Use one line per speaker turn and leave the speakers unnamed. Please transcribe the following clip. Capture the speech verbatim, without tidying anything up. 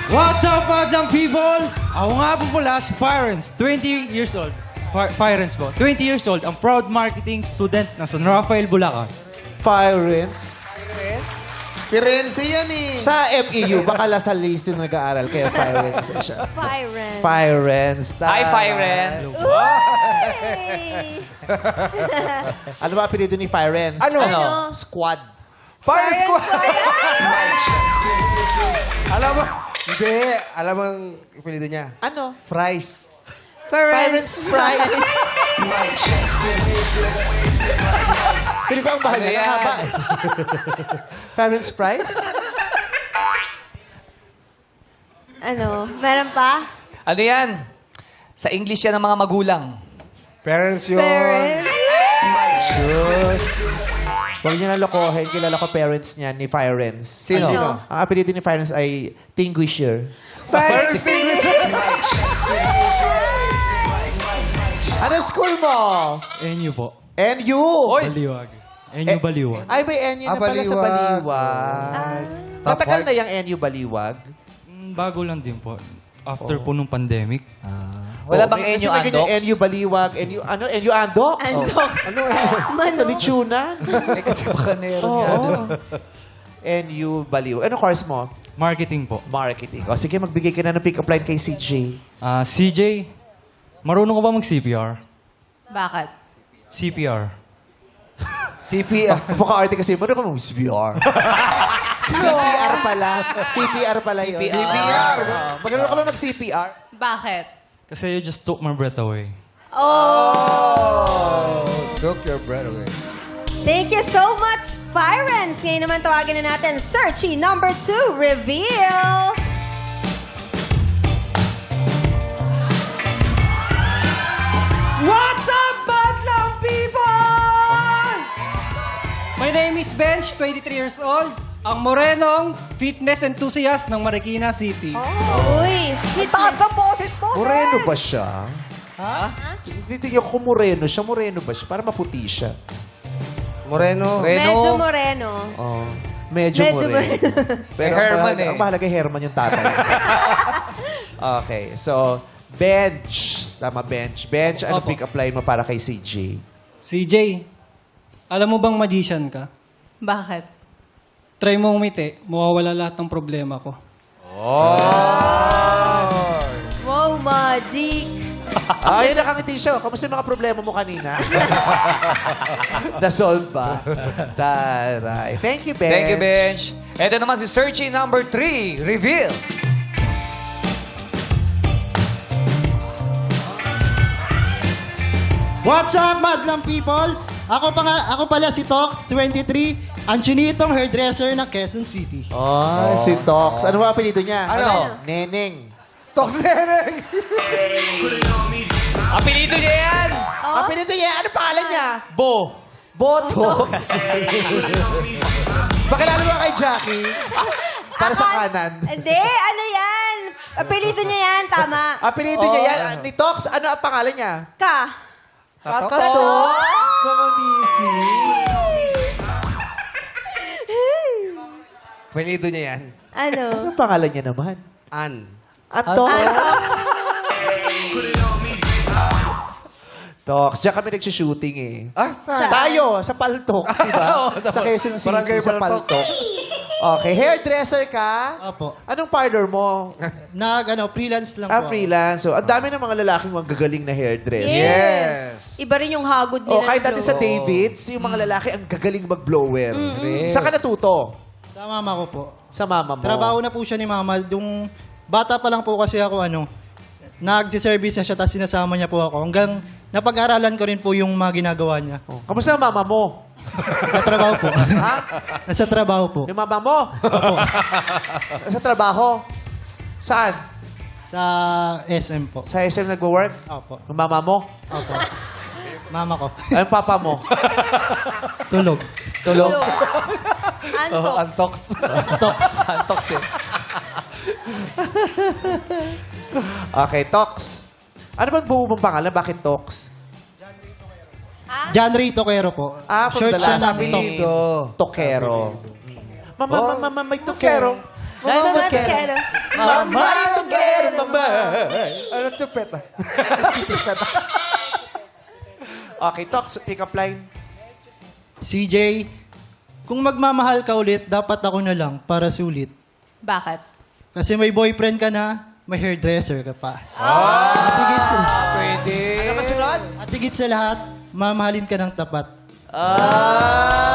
What's up, madlang people? Ako nga po pala si Firens, twenty years old. Fi- Firens po, twenty years old, ang proud marketing student ng San Rafael, Bulacan.
Firenze.
Firenze yan eh.
Sa M E U, baka Lasal List yung nag-aaral, kaya Firenze siya.
Firen.
Firenze.
Hi, Firenze.
Hey!
Ano ba apelido ni Firenze?
Ano?
Ano?
Squad.
Fire Squad! Alam mo, hindi. Alam mo ang apelido niya?
Ano?
Fries.
Firenze Fries. Pili ko ang bahal
Ano
niya.
yan?
Ang haba. Firenze Fries?
Ano? Meron pa?
Ano yan? Sa English yan ng mga magulang.
Parents yun.
Parents?
Sus. Huwag niyo na lokohin. Kilala ko parents niya ni Firenze.
Sino?
Sino?
Ang apelido ni Firenze ay Tinguisher.
First.
Ano school mo?
N U po.
N U.
Baliwag. N U
Eh,
Baliwag.
Ay, may N U na
Ah,
pala sa
Baliwag.
Baliwag.
Top
Matagal
five.
na yung N U Baliwag.
Mm, Bago lang din po. After po nung pandemic.
Wala
Oh,
bang
may- kasi
Enyo
may ganyan,
Andox?
N U Baliwag, N U, ano, N U Andox?
Andox.
Ano yan?
Mano?
Sa Lichunan?
Eh, kasi baka meron
Oo.
nga dun.
N U Baliwag. Ano course mo?
Marketing po.
Marketing. O sige, magbigay ka na ng pick-up line kay C J.
Ah, C J, marunong ka ba mag-C P R?
Bakit?
C P R.
C P R. Mukha arte kasi, ano ka mag-C P R? C P R pala. C P R pala yun.
C P R.
Oo. Magano ka ba mag-C P R?
Bakit?
Kasi you just took my breath away.
Oh!
Took your breath away.
Thank you so much, Firens! Ngayon naman tawagin na natin Searchy number two, reveal!
What's up, Badlang people? My name is Bench, twenty-three years old. Ang morenong fitness enthusiast ng Marikina City.
Uy,
Taas
fitness.
ang boses mo.
Moreno ba siya? Ha? Titigyan ko kung moreno siya. Moreno ba siya? Para maputi siya.
Moreno.
Reno.
Medyo moreno.
Oh. Medyo,
Medyo
moreno. Pero
Eh,
ang
Herman
mahalaga,
eh.
ang mahalaga Herman yung tatay. Okay. So, bench. Tama, bench. Bench, ano
Opo.
pick-up line mo para kay C J?
C J, alam mo bang magician ka?
Bakit?
Try mo umiti, mawawala lahat ng problema ko.
Wow, magic!
Ay, nakangiti siya. Kamusta yung mga problema mo kanina? Na-solve ba? Taray. Thank you, Bench.
Thank you, Bench. Ito naman si Searchy number three, reveal.
What's up, madlang people? Ako, pa nga, ako pala si Tox, twenty-three, ang chinitong hairdresser ng Quezon City.
Oh, si Tox. Ano ba apelido niya?
Ano?
Neneng.
Tox Neneng.
Apelido niya yan.
Oh?
Apelido niya? Ano pangalan niya?
Bo.
Botox. Pakilala mo kay Jackie? Para sa
Akala-
kanan.
Hindi, ano yan? Apelyido niya yan, tama.
Apelido niya yan. Ni Tox, ano ang pangalan niya?
Ka.
Katox. Mga misis.
Apelido niya yan.
Ano?
Ano pangalan niya naman?
An.
Antox.
Antox.
Tox. Diyan kami nag-shooting eh.
Ah, saan?
Tayo, sa Paltok, di ba? Sa Quezon City,
Barangay
sa
Paltok.
Paltok. Okay, hairdresser ka?
Opo.
Anong parlor mo?
Nag, ano, freelance lang
Ah,
po.
freelance. So, ang dami ng mga lalaking magagaling na hairdresser.
Yes. Iba rin yung hagod nila.
Oh, kahit
ng
dati sa
blow.
Davids, yung mga lalaki ang gagaling mag-blower. Saan ka natuto?
Sa mama ko po.
Sa mama mo.
Trabaho na po siya ni mama. Yung bata pa lang po kasi ako, ano, nagsiservice na siya, tapos sinasama niya po ako. Hanggang napag-aralan ko rin po yung mga ginagawa niya.
Oh, kamusta ang mama mo?
Natrabaho po.
Ha?
Nasa trabaho po.
Yung mama mo? Sa trabaho? Saan?
Sa S M po.
Sa S M nagwo-work?
Opo.
Yung mama mo?
Opo. Mama ko.
Ay, yung papa mo?
Tulog.
Tulog?
Blow. Antox.
Antox.
Tox.
Antox yun.
Okay, Tox. Ano bang buo mong pangalan? Bakit Tox?
John Ray Toquero po.
Ah, from
Short
the
siya
last
ng
name.
Tox.
Tokero. Mama, mama, mama, may Tokero.
Mama Masquero.
Mama, ito kero, mama.
Ano tupet ah?
Okay, talk. Pick up line.
C J, kung magmamahal ka ulit, dapat ako na lang para sulit.
Bakit?
Kasi may boyfriend ka na, may hairdresser ka pa. At higit sa,
Pwede.
Ano kasunod?
at higit sa lahat, mamahalin ka ng tapat.
Ah!